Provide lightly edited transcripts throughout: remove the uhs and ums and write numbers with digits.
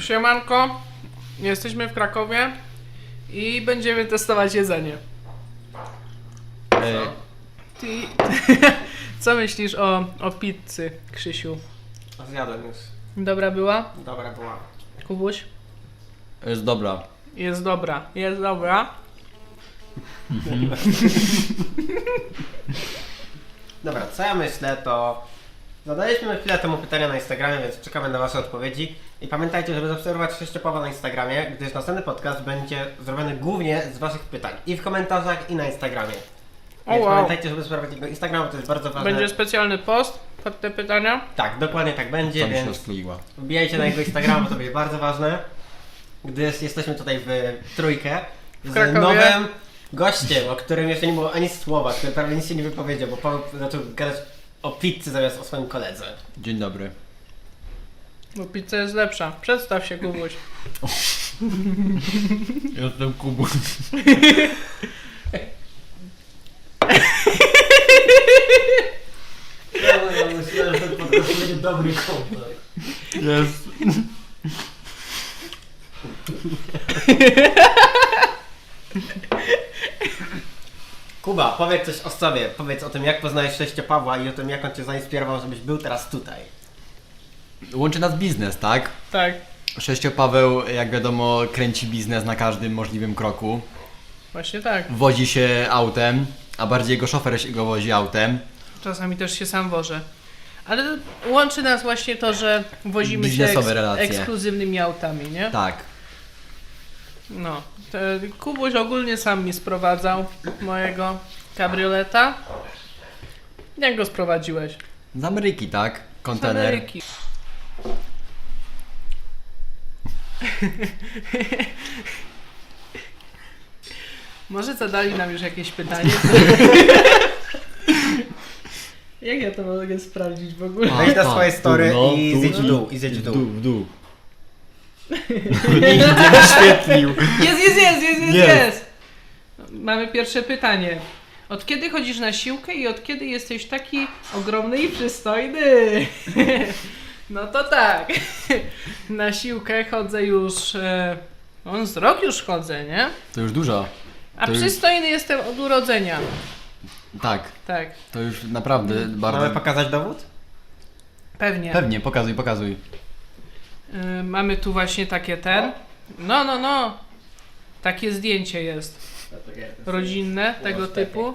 Siemanko, jesteśmy w Krakowie i będziemy testować jedzenie. Ty, co myślisz o pizzy, Krzysiu? Zjadłem już. Dobra była? Dobra była. Kubuś? Jest dobra. Jest dobra, jest dobra. Dobra, co ja myślę, to zadaliśmy chwilę temu pytania na Instagramie, więc czekamy na wasze odpowiedzi. I pamiętajcie, żeby zaobserwować Sześciopawa na Instagramie, gdyż następny podcast będzie zrobiony głównie z waszych pytań. I w komentarzach, i na Instagramie. Więc pamiętajcie, żeby sprawdzić jego Instagram, bo to jest bardzo ważne. Będzie specjalny post pod te pytania. Tak, dokładnie tak będzie, Co mi się więc rozkleiła. wbijajcie na jego Instagram, bo to będzie bardzo ważne. Gdyż jesteśmy tutaj w trójkę z Krakowie. nowym gościem, o którym jeszcze nie było ani słowa, który prawie nic się nie wypowiedział, bo Paweł zaczął gadać o pizzy zamiast o swoim koledze. Dzień dobry. Bo pizza jest lepsza. Przedstaw się, Kubuś. Jestem Kubuś. Ja myślałem, że ten podcast będzie dobry kontakt. Jest. Kuba, powiedz coś o sobie, powiedz o tym, jak poznałeś Sześciopawła i o tym, jak on cię zainspirował, żebyś był teraz tutaj. Łączy nas biznes, tak? Tak, Sześciopaweł, jak wiadomo, kręci biznes na każdym możliwym kroku. właśnie tak. Wozi się autem, a bardziej jego szofer się go wozi autem. Czasami też się sam wożę. Ale łączy nas właśnie to, że wozimy się Biznesowe relacje. ekskluzywnymi autami, nie? Tak. No. Kubuś ogólnie sam mi sprowadzał mojego kabrioleta. Jak go sprowadziłeś? Z Ameryki, tak? Z Kontener. Ameryki. Może zadali nam już jakieś pytanie? Jak ja to mogę sprawdzić w ogóle? Wejdź na swoje story tu, no, i tu, zjedź w tu, dół, i zjedź w w dół. dół, w dół. Nikt nie wyświetlił. Jest! Jest. Mamy pierwsze pytanie. Od kiedy chodzisz na siłkę i od kiedy jesteś taki ogromny i przystojny? No to tak. Na siłkę chodzę już... z rok już chodzę, nie? To już dużo. A To już- przystojny jestem od urodzenia. Tak. Tak, To już naprawdę bardzo... Mamy pokazać dowód? pewnie. Pewnie, pokazuj, pokazuj. Mamy tu właśnie takie No. Takie zdjęcie jest. Rodzinne, tego typu.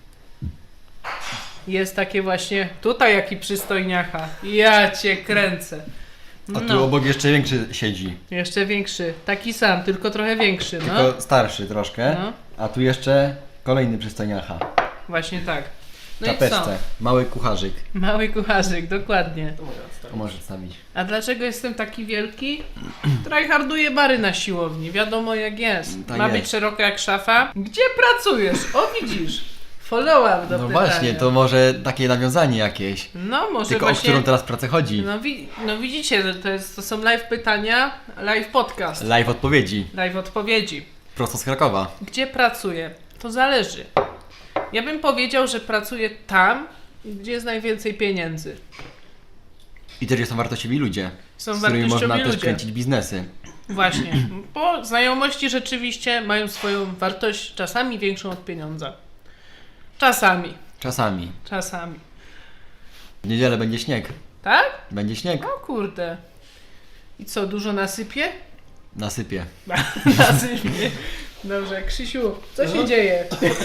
Jest takie właśnie... Tutaj jaki przystojniacha. Ja cię kręcę. A tu No, obok jeszcze większy siedzi. jeszcze większy. Taki sam, tylko trochę większy, no. Tylko starszy troszkę. No. A tu jeszcze kolejny przystojniacha. Właśnie tak. W No i co? czapeczce. Mały kucharzyk. Mały kucharzyk, dokładnie. To możesz wstawić. A dlaczego jestem taki wielki? Tryharduję bary na siłowni, wiadomo jak jest. Tak Ma jest. być szeroka jak szafa. Gdzie pracujesz? O widzisz. Follow-up do No pytania. właśnie, to może takie nawiązanie jakieś. No może Tylko właśnie... o którą teraz pracę chodzi. No widzicie, że to są live pytania, live podcast, Live odpowiedzi. live odpowiedzi. Prosto z Krakowa. Gdzie pracuję? To zależy. Ja bym powiedział, że pracuję tam, gdzie jest najwięcej pieniędzy. I też są wartościowi ludzie. Są z którymi można wartościowi też ludzie. kręcić biznesy. Właśnie, bo znajomości rzeczywiście mają swoją wartość czasami większą od pieniądza. Czasami. Czasami. W niedzielę będzie śnieg. Tak? Będzie śnieg. O kurde. I co, dużo nasypie? Nasypie. Nasypie. Dobrze, Krzysiu, co się dzieje?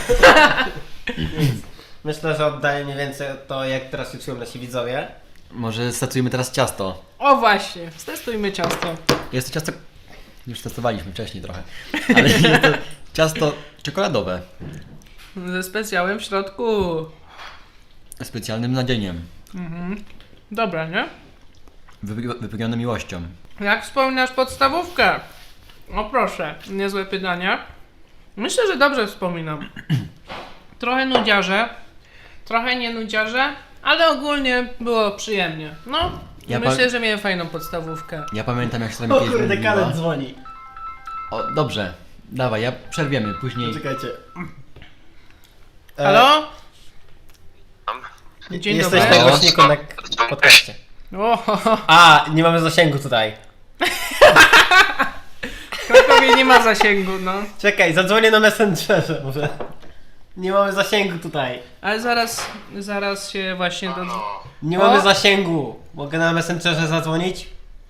Myślę, że oddaję mniej więcej to, jak teraz się czują nasi widzowie. Może stacujemy teraz ciasto. O właśnie, stestujmy ciasto. Jest to ciasto... Już testowaliśmy wcześniej trochę. Ale jest to ciasto czekoladowe. Ze specjałem w środku. Specjalnym nadzieniem. Dobra, nie? Wypełnione miłością. Jak wspominasz podstawówkę? O proszę, niezłe pytanie. Myślę, że dobrze wspominam. Trochę nudziarze, trochę nie nudziarze, ale ogólnie było przyjemnie. No, Ja myślę, że miałem fajną podstawówkę. Ja pamiętam jak się tam O kiedyś kurde, mówiła. kalet dzwoni. O, dobrze. Dawaj, ja przerwiemy później. Czekajcie. Halo? Dzień Jesteś dobry. na głośniku na podcaście. O, A, nie mamy zasięgu tutaj. ma zasięgu, no. Czekaj, zadzwonię na Messengerze może. Nie mamy zasięgu tutaj. Ale zaraz się właśnie do... Nie O! mamy zasięgu. Mogę na Messengerze zadzwonić?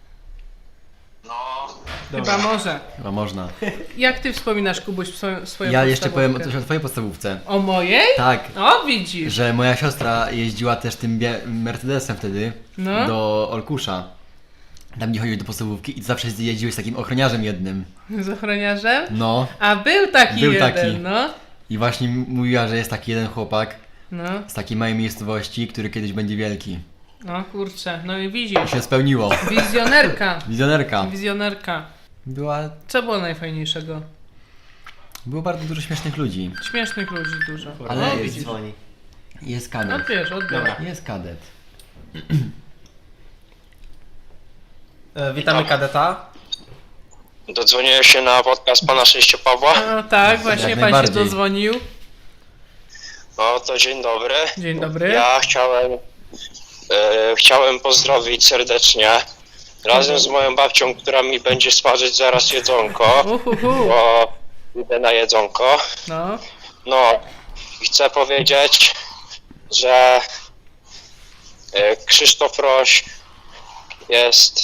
Chyba może. Chyba można. Jak ty wspominasz, Kubuś, swoją Ja jeszcze powiem podstawówkę? coś o twojej podstawówce. O mojej? Tak, O, widzisz. że moja siostra jeździła też tym Mercedesem wtedy No. do Olkusza. Tam nie chodził do podstawówki i zawsze jeździłeś z takim ochroniarzem jednym. Z ochroniarzem? No. A był taki Był jeden, taki. no. I właśnie mówiła, że jest taki jeden chłopak No, z takiej małej miejscowości, który kiedyś będzie wielki. no kurczę, no i I widzisz. się spełniło. Wizjonerka. Wizjonerka. Wizjonerka. Była... Co było najfajniejszego? Było bardzo dużo śmiesznych ludzi. Śmiesznych ludzi dużo. Ale no, jest widzisz. Dzwoni. Jest kadet. Odbierz, odbierz. Dobra. Jest kadet. Witamy kadeta. Dodzwoniłem się na podcast pana Szczęścia Pawła. No tak, właśnie Jak pan się najbardziej. dozwonił. No to dzień dobry. Dzień dobry. Ja chciałem pozdrowić serdecznie razem z moją babcią, która mi będzie smażyć zaraz jedzonko, Uhuhu. bo idę na jedzonko. No. No i chcę powiedzieć, że Krzysztof Roś jest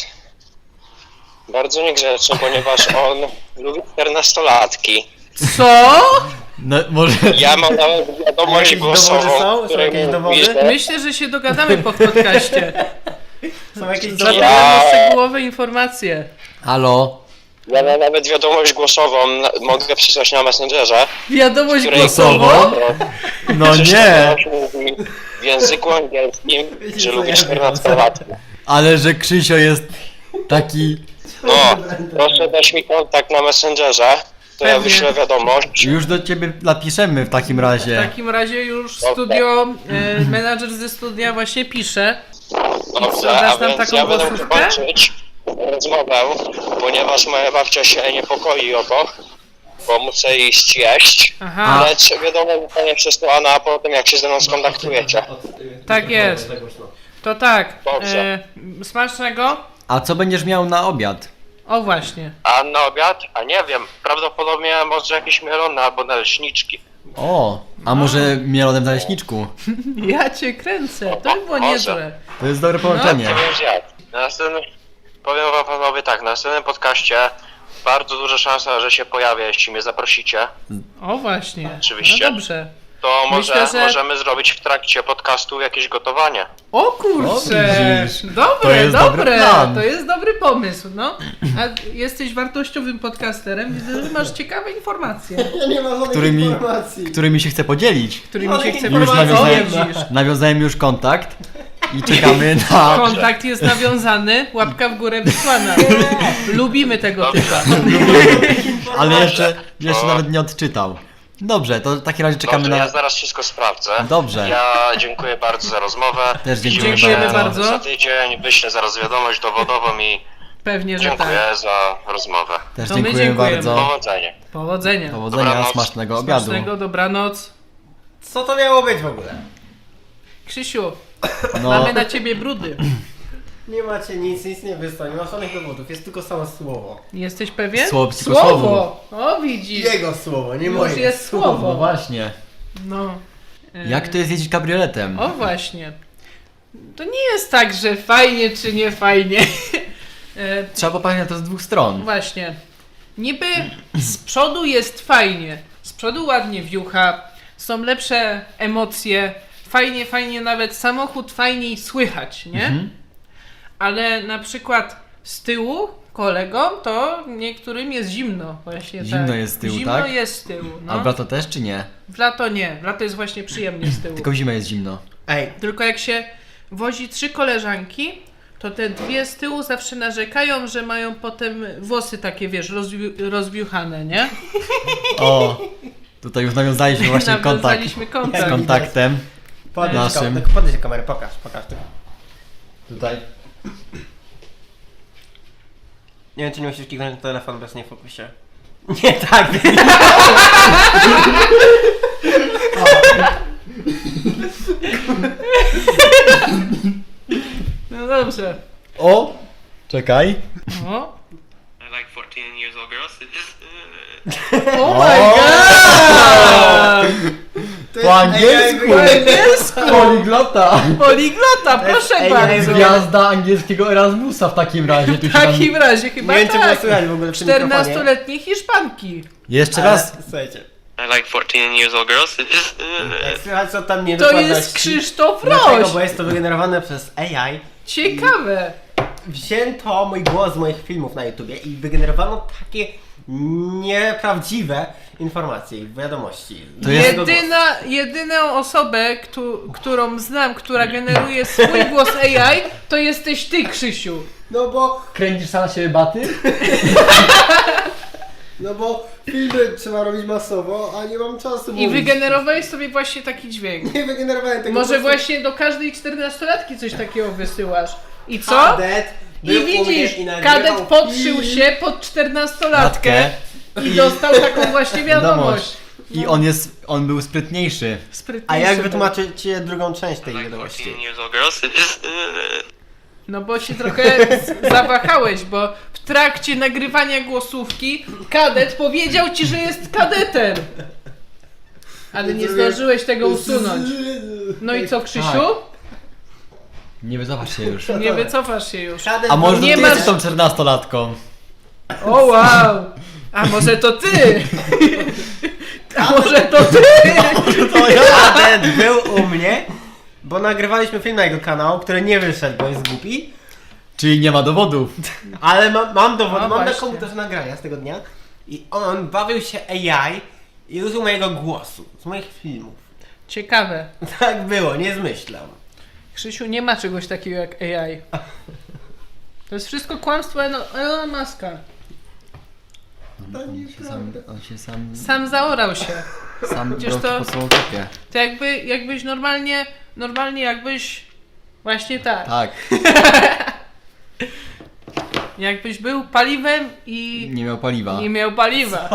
bardzo niegrzeczny, ponieważ on lubi 14-latki. Co? No może... Ja mam nawet wiadomość Jakieś głosową, dowody są? w Są której jakieś mówi, dowody? że Myślę, że się dogadamy po podcaście. Są jakieś Zapytam dowody? o szczegółowe informacje. Halo? ja mam nawet wiadomość głosową, mogę przysłać na Messengerze. Wiadomość której- głosową? No Krzysztof nie! Roś mówi w języku angielskim, Wiecie, że co lubi ja 14-latki. Ale że Krzysio jest taki... No, proszę dać mi kontakt na Messengerze, to ja Pewnie. wyślę wiadomość. Już do ciebie napiszemy w takim W razie. takim razie już studio, menadżer ze studia właśnie pisze. Dobrze, dasz a nam więc taką ja będę głosówkę? kończyć rozmowę, ponieważ moja babcia się niepokoi o to, bo muszę iść jeść. Aha, Lecz wiadomo, zostanie przesłana, a potem jak się ze mną skontaktujecie. Tak jest. to tak. Dobrze. Smacznego? A co będziesz miał na obiad? O właśnie. A na obiad? A nie wiem, prawdopodobnie może jakieś mielone albo naleśniczki. O, a może mielonem w naleśniczku? Ja cię kręcę. To by było Może. niezłe. To jest dobre połączenie. Nie wiem jak. Na następnym, powiem wam panowie tak, na następnym podcaście bardzo duża szansa, że się pojawię, jeśli mnie zaprosicie. O właśnie. Oczywiście. No dobrze. To może Myślę, że- możemy zrobić w trakcie podcastu jakieś gotowanie. O O, kurczę! widzisz. Dobre, To jest dobry dobre! plan. To jest dobry pomysł, no. A jesteś wartościowym podcasterem, widzę, że masz ciekawe informacje, Ja nie ma żadnych Którymi- informacji. Którymi się chce podzielić. którymi się chce Już podzielić. nawiązałem, nawiązałem już kontakt i czekamy na... Kontakt jest nawiązany, łapka w górę wysłana. Lubimy tego typa. Ale jeszcze O. nawet nie odczytał. Dobrze, to w takim razie czekamy Dobrze, na... ja zaraz wszystko sprawdzę. Dobrze. Ja dziękuję bardzo za rozmowę. Też dziękuję Dziękujemy bardzo. bardzo. Za tydzień wyślę zaraz wiadomość dowodową i Pewnie, że dziękuję tak. za rozmowę. Też To my dziękuję dziękujemy. bardzo. Powodzenia. Powodzenia. Powodzenia, Dobranoc. smacznego obiadu. Smacznego, dobranoc. Co to miało być w ogóle? Krzysiu, No, mamy na ciebie brudy. Nie macie nic nie wysłał, nie ma żadnych dowodów, jest tylko samo słowo. Jesteś pewien? Słowo, tylko słowo. O, widzisz. Jego słowo, nie Już moje. jest no słowo. właśnie. No. Jak to jest jeździć kabrioletem? O właśnie. To nie jest tak, że fajnie czy nie fajnie. Trzeba popatrzeć na to z dwóch stron. Właśnie. Niby z przodu jest fajnie. Z przodu ładnie wiucha. Są lepsze emocje. Fajnie nawet samochód fajniej słychać, nie? Mhm. Ale na przykład z tyłu kolegom to niektórym jest zimno. Właśnie Zimno tak. jest z tyłu, zimno tak? jest z tyłu, no. A w lato też czy nie? W lato nie. W lato jest właśnie przyjemnie z tyłu. Tylko w zimę jest zimno. Ej, Tylko jak się wozi 3 koleżanki, to te dwie z tyłu zawsze narzekają, że mają potem włosy takie, wiesz, rozwiuchane, nie? O, tutaj już nawiązaliśmy właśnie kontakt Nawiązaliśmy z kontakt. kontaktem. Naszym. podnieś kamerę, pokaż tylko. Tutaj. Nie wiem, czy nie musisz kliknąć na telefon bez nie fokusie. Nie tak! No dobrze. O! Czekaj. O, Like for 14-year-old girls. Oh my god! Po angielsku! Po angielsku! Poliglota! Poliglota, proszę AI bardzo! Gwiazda angielskiego Erasmusa w takim razie. Tu W się nam... takim razie Nie chyba wiem, czy było tak. słychać w ogóle przy mikrofonie. 14-letniej Hiszpanki. Jeszcze Ale, raz. słuchajcie, I like 14-year-old girls. jak słychać co tam nie To jest Krzysztof Dlatego, Roś. bo jest to wygenerowane przez AI. Ciekawe. Wzięto mój głos z moich filmów na YouTubie i wygenerowano takie nieprawdziwe informacje i wiadomości. To jest- Jedyną osobę, którą znam, która generuje swój głos AI, to jesteś ty, Krzysiu. No bo, Kręcisz sam na siebie baty? filmy trzeba robić masowo, a nie mam czasu I wygenerowałeś sobie właśnie taki dźwięk. Nie wygenerowałem tego. Może właśnie do każdej 14-latki coś takiego wysyłasz. I co? Kadet I był u mnie widzisz, i nagrywał kadet podszył film. się pod 14-latkę Latkę. i dostał taką właśnie wiadomość. I on był sprytniejszy. Sprytniejszy A jak był. wytłumaczycie drugą część tej Like wiadomości? 14-year-old girls. No bo się trochę zawahałeś, bo w trakcie nagrywania głosówki kadet powiedział ci, że jest kadetem. Ale nie zdążyłeś tego usunąć. No i co, Krzysiu? Nie wycofasz się już. Nie wycofasz się już. Kadet A może Nie ty masz- jesteś tą 14-latką? O wow! A może to ty? A może to ty? To ja! Kadet był u mnie, bo nagrywaliśmy film na jego kanał, który nie wyszedł, bo jest głupi. Czyli nie ma dowodów. Ale mam dowód, No mam na właśnie. komputerze nagrania z tego dnia. I on bawił się AI i użył mojego głosu, z moich filmów. Ciekawe. Tak było, nie zmyślam. Krzysiu, nie ma czegoś takiego jak AI. To jest wszystko kłamstwo Elona Muska. On się sam Sam zaorał się. Przecież brał to- po swoją kopie. To jakbyś normalnie jakbyś właśnie tak. Tak. Jakbyś był paliwem i Nie miał paliwa. nie miał paliwa.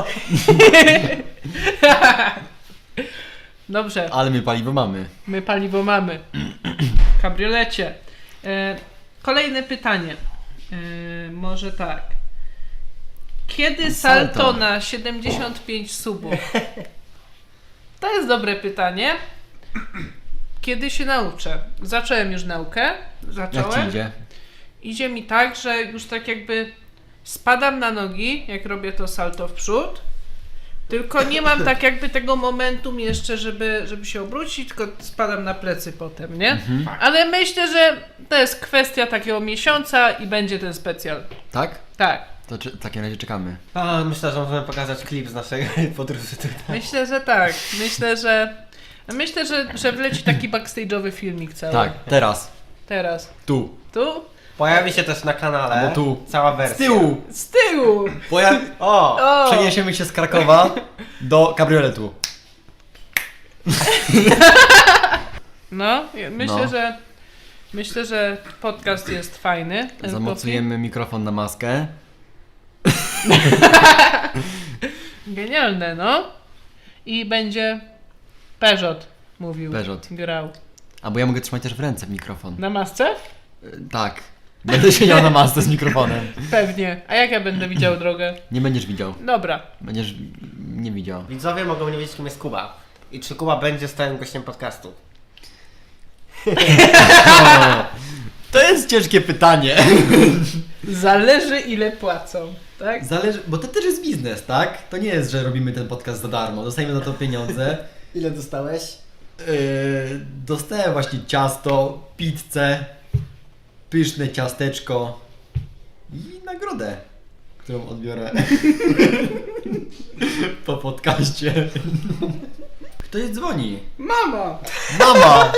Dobrze, Ale my paliwo mamy. my paliwo mamy. W kabriolecie. Kolejne pytanie. Może tak. Kiedy salto Salto. na 75 subów? To jest dobre pytanie. Kiedy się nauczę? Zacząłem już naukę. Jak ci Zacząłem. idzie? Idzie mi tak, że już tak jakby spadam na nogi, jak robię to salto w przód. Tylko nie mam tak jakby tego momentum jeszcze, żeby się obrócić, tylko spadam na plecy potem, nie? Ale myślę, że to jest kwestia takiego miesiąca i będzie ten specjal. Tak? Tak. To w takim razie czekamy. A, myślę, że możemy pokazać klip z naszej podróży tutaj. Myślę, że tak. Myślę, że wleci taki backstage'owy filmik cały. Tak, teraz. Teraz. Tu. Tu? Pojawi się też na kanale Albo tu. cała Z wersja. tyłu. Z tyłu! O! O! Przeniesiemy się z Krakowa do kabrioletu. No, myślę, No. Myślę, że podcast jest fajny. ten Zamocujemy mikrofon na maskę. Genialne, no. I będzie Peugeot mówił. Peugeot. Grał. Albo ja mogę trzymać też w ręce mikrofon. Na masce? Tak. Będę siedział na masce z mikrofonem. Pewnie. A jak ja będę widział drogę? Nie będziesz widział. Dobra. Będziesz nie widział. Widzowie mogą nie wiedzieć, kim jest Kuba. I czy Kuba będzie stałym gościem podcastu. To jest ciężkie pytanie. Zależy ile płacą, tak? Zależy, bo to też jest biznes, tak? To nie jest, że robimy ten podcast za darmo. Dostajemy za to pieniądze. Ile dostałeś? Dostałem właśnie ciasto, pizzę, pyszne ciasteczko i nagrodę, którą odbiorę po podcaście. Ktoś dzwoni. Mama! Mama!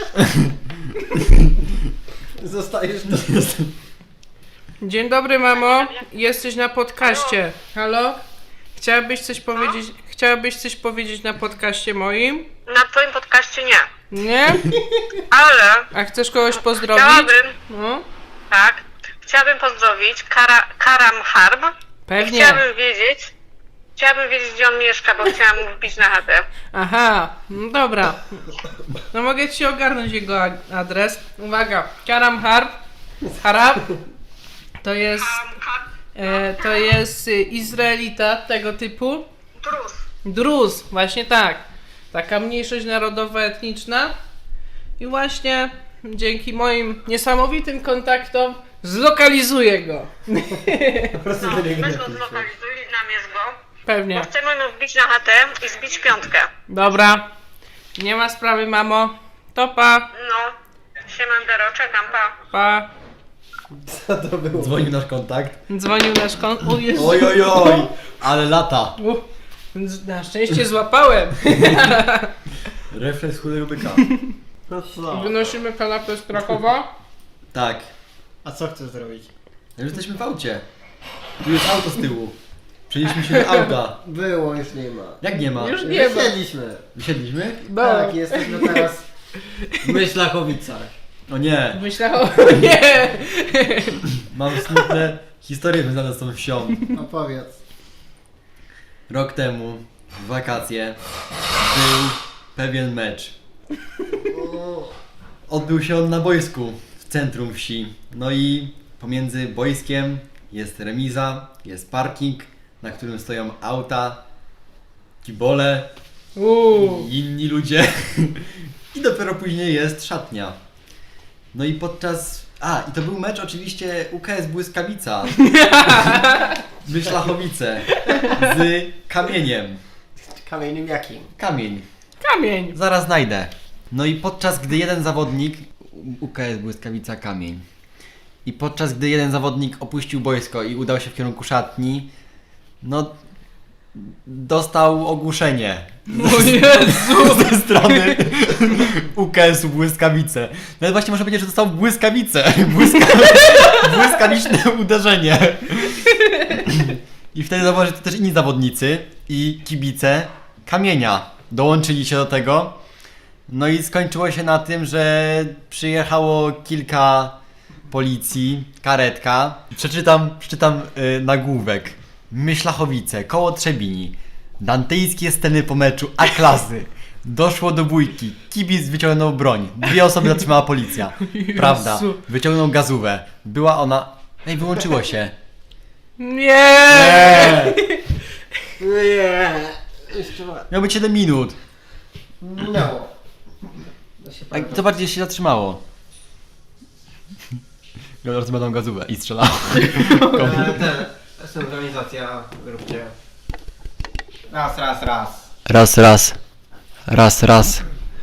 Zostajesz Dzień dobry, mamo. Jesteś na podcaście. Halo? Chciałabyś coś powiedzieć na podcaście moim? Na twoim podcaście nie. Nie? Ale A chcesz kogoś pozdrowić? No. chciałabym pozdrowić Karam Harb. Pewnie. Chciałabym wiedzieć, gdzie on mieszka, bo chciałam mu wbić na chatę. Aha, no dobra. No mogę ci ogarnąć jego adres. Uwaga, Karam Harb to jest To jest Izraelita tego typu. Drus. Druz, właśnie tak. Taka mniejszość narodowa, etniczna. I właśnie dzięki moim niesamowitym kontaktom zlokalizuję go. Po prostu No, do niego weź go napiszę. zlokalizuj, namierz go. Pewnie. Bo chcemy mu wbić na chatę i zbić piątkę. Dobra. Nie ma sprawy, mamo. To pa. No. Siemandero, czekam, pa. Pa. Co to było? Dzwonił nasz kontakt. Dzwonił nasz O Jezu. Oj, oj, oj, ale lata. Na szczęście złapałem. Refleks chudego byka. No co? Wynosimy kanapę z Krakowa. Tak. A co chcesz zrobić? Już jesteśmy w aucie. Tu jest auto z tyłu. Przenieśliśmy się do auta. Było, już nie ma. Jak nie ma? Już nie ma. Siedliśmy. Wysiedliśmy? No. Tak, jesteśmy teraz w Myślachowicach. O nie. Myślałem, nie. Mam smutne historie związane z tą wsią. Opowiedz. Rok temu, w wakacje, był pewien mecz. Odbył się on na boisku w centrum wsi. No i pomiędzy boiskiem jest remiza, jest parking, na którym stoją auta, kibole i inni ludzie. I dopiero później jest szatnia. No i podczas... i to był mecz oczywiście UKS Błyskawica. Myślachowice. Z kamieniem. Kamieniem jakim? Kamień. Kamień. Zaraz znajdę. No i podczas gdy jeden zawodnik, UKS Błyskawica Kamień, i podczas gdy jeden zawodnik opuścił boisko i udał się w kierunku szatni, no dostał ogłuszenie O Jezu. ze strony UKS-u Błyskawice. Nawet właśnie można powiedzieć, że dostał błyskawicę. Błyskawiczne uderzenie. I wtedy zauważyli też inni zawodnicy i kibice Kamienia dołączyli się do tego. No i skończyło się na tym, że przyjechało kilka policji, karetka. Przeczytam nagłówek. Myślachowice, koło Trzebini. Dantejskie sceny po meczu A-klasy. Doszło do bójki. Kibic wyciągnął broń. 2 osoby zatrzymała policja. Prawda. Jezu. Wyciągnął gazówę. Była ona... Ej, wyłączyło się. Nie. Nie. Jeszcze raz. Miał być 7 minut. Minęło. To się A zobacz, gdzie się zatrzymało. Teraz będą gazówę i strzelało. Synchronizacja, róbcie. Raz. Raz.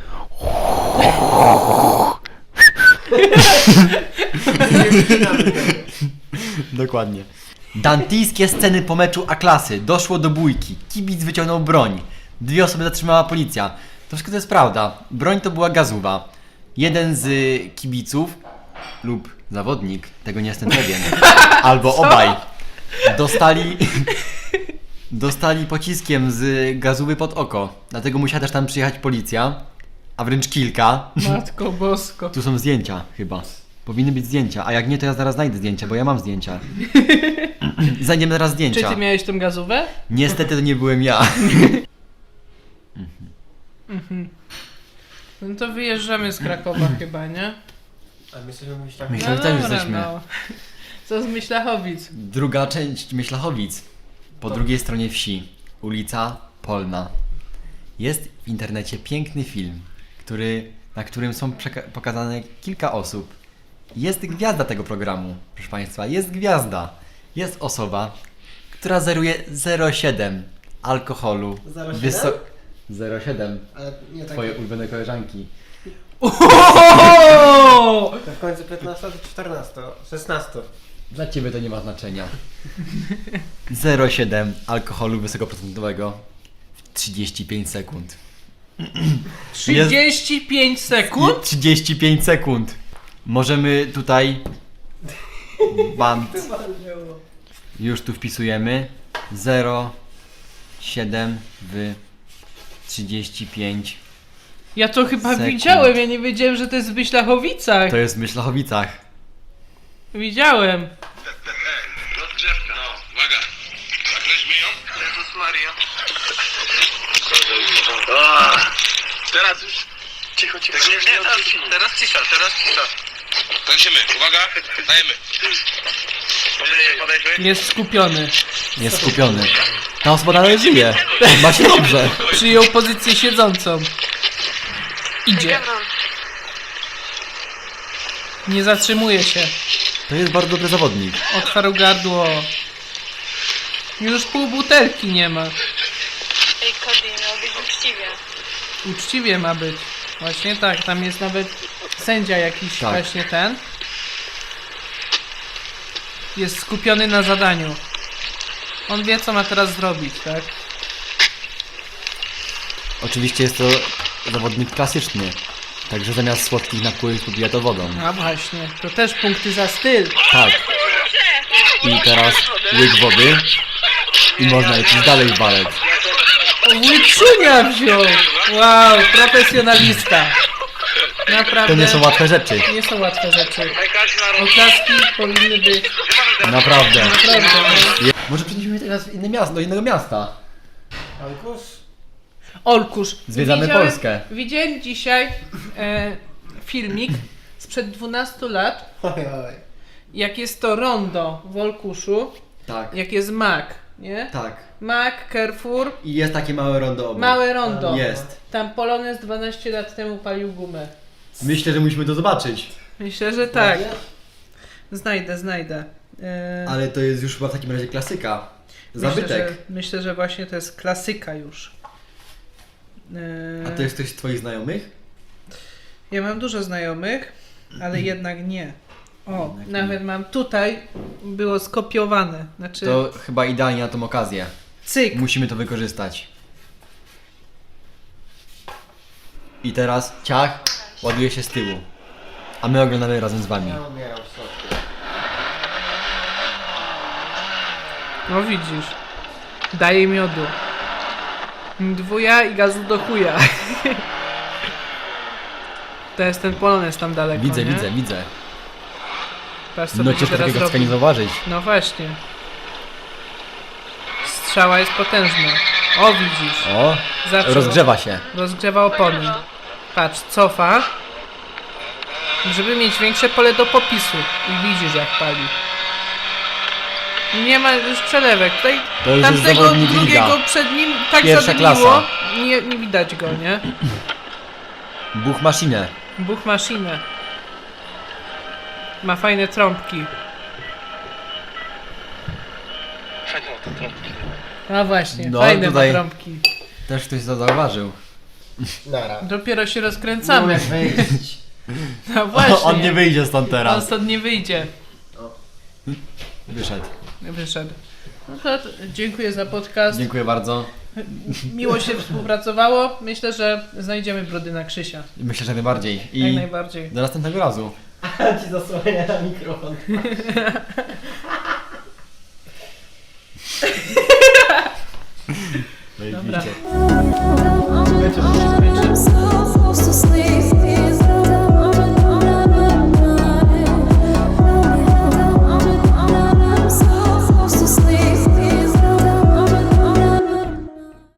Dokładnie. Dantijskie sceny po meczu A-klasy. Doszło do bójki. Kibic wyciągnął broń. 2 osoby zatrzymała policja. To wszystko to jest prawda. Broń to była gazowa. Jeden z kibiców lub zawodnik, tego nie jestem pewien, albo obaj, dostali pociskiem z gazówy pod oko. Dlatego musiała też tam przyjechać policja, a wręcz kilka. Matko bosko. Tu są zdjęcia chyba. Powinny być zdjęcia, a jak nie, to ja zaraz znajdę zdjęcia, bo ja mam zdjęcia. Znajdziemy zaraz Czy zdjęcia. ty miałeś tą gazówę? Niestety to nie byłem ja. No to wyjeżdżamy z Krakowa chyba, nie? A my sobie myślałem, Myślę, że też dobra, jesteśmy. no. Co z Myślachowic? Druga część Myślachowic. Po drugiej stronie wsi. Ulica Polna. Jest w internecie piękny film, na którym są pokazane kilka osób. Jest gwiazda tego programu, proszę Państwa. Jest gwiazda. Jest osoba, która zeruje 0,7 alkoholu. 0,7? 0,7. ale nie tak. Twoje ulubione koleżanki. Ohohoho! To w końcu 15 czy 14? 16. Dla Ciebie to nie ma znaczenia. 0,7 alkoholu wysokoprocentowego w 35 sekund. 35 sekund? 35 sekund. Możemy tutaj band. Już tu wpisujemy 0,7 w 35. Ja to chyba Sekund. widziałem, ja nie wiedziałem, że to jest w Myślachowicach. To jest w Myślachowicach. Widziałem. Rozgrzewka. No, uwaga. Zakreślmy ją. Jezus Maria. Teraz już. Cicho. Teraz cisza. Kręcimy. Uwaga. Dajemy. Jest skupiony. Jest skupiony. Ta osoba dalej żyje. Ma się dobrze. Przyjął pozycję siedzącą. Idzie. Nie zatrzymuje się. To jest bardzo dobry zawodnik. Otwarł gardło. Już pół butelki nie ma. Ej, Cody, miało być uczciwie. Uczciwie ma być. Właśnie tak, tam jest nawet sędzia jakiś Tak. właśnie ten. Jest skupiony na zadaniu. On wie, co ma teraz zrobić, tak? Oczywiście jest to zawodnik klasyczny. Także zamiast słodkich napojów pobija to wodą. A właśnie, to też punkty za styl. Tak. I teraz łyk wody. I można lecieć dalej w balet. Łyczunia wziął! Wow, profesjonalista. Naprawdę. To nie są łatwe rzeczy. Nie są łatwe rzeczy. Oklaski powinny być. Naprawdę. Naprawdę. No. Może przenieśmy teraz w inne miasto, do innego miasta. Alkus? Olkusz. Zwiedzamy Polskę. Widziałem dzisiaj filmik sprzed 12 lat, Oj, oj. jak jest to rondo w Olkuszu, Tak. jak jest Mac, nie? Tak. Mac, Carrefour, I jest takie małe rondo obok. małe rondo. Jest. Tam Polonez 12 lat temu palił gumę. Myślę, że musimy to zobaczyć. Myślę, że tak. Znajdę. Ale to jest już chyba w takim razie klasyka. Zabytek. Myślę, że właśnie to jest klasyka już. A to jest ktoś z twoich znajomych? Ja mam dużo znajomych, ale jednak nie. O, Jednak nawet mam tutaj, było skopiowane. Znaczy, To chyba idealnie na tą okazję. cyk. Musimy to wykorzystać. I teraz ciach ładuje się z tyłu. A my oglądamy razem z wami. Ja umieram w środku. No widzisz. Daje miodu. Dwuja i gazu do chuja. To jest ten Polonez tam daleko, Widzę, nie? widzę. Patrz, co No będzie ciężko teraz takiego cwenia robił. zauważyć. No właśnie. Strzała jest potężna. O, widzisz. O, Zawsze rozgrzewa się. Rozgrzewa opony. Patrz, cofa. Żeby mieć większe pole do popisu. I widzisz, jak pali. Nie ma już przelewek. Tutaj To już jest tamtego zawodnik drugiego liga. przed nim tak Pierwsza zadymiło. klasa. Nie widać go, nie? Buch maszynę. Buch maszynę. Ma fajne trąbki. A właśnie, No, fajne tutaj- ma trąbki. Też ktoś to zauważył. Nara. Dopiero się Nie rozkręcamy. umiesz wyjść. No właśnie. On nie wyjdzie stąd On teraz. stąd nie wyjdzie. Wyszedł. Wyszedł. No to dziękuję za podcast. Dziękuję bardzo. Miło się współpracowało. Myślę, że znajdziemy Brodyna Krzysia. Myślę, że najbardziej. Jak I najbardziej. do następnego razu. A ci zasłania na mikrofon. Dobra. Zajebiście. I'm so supposed to sleep.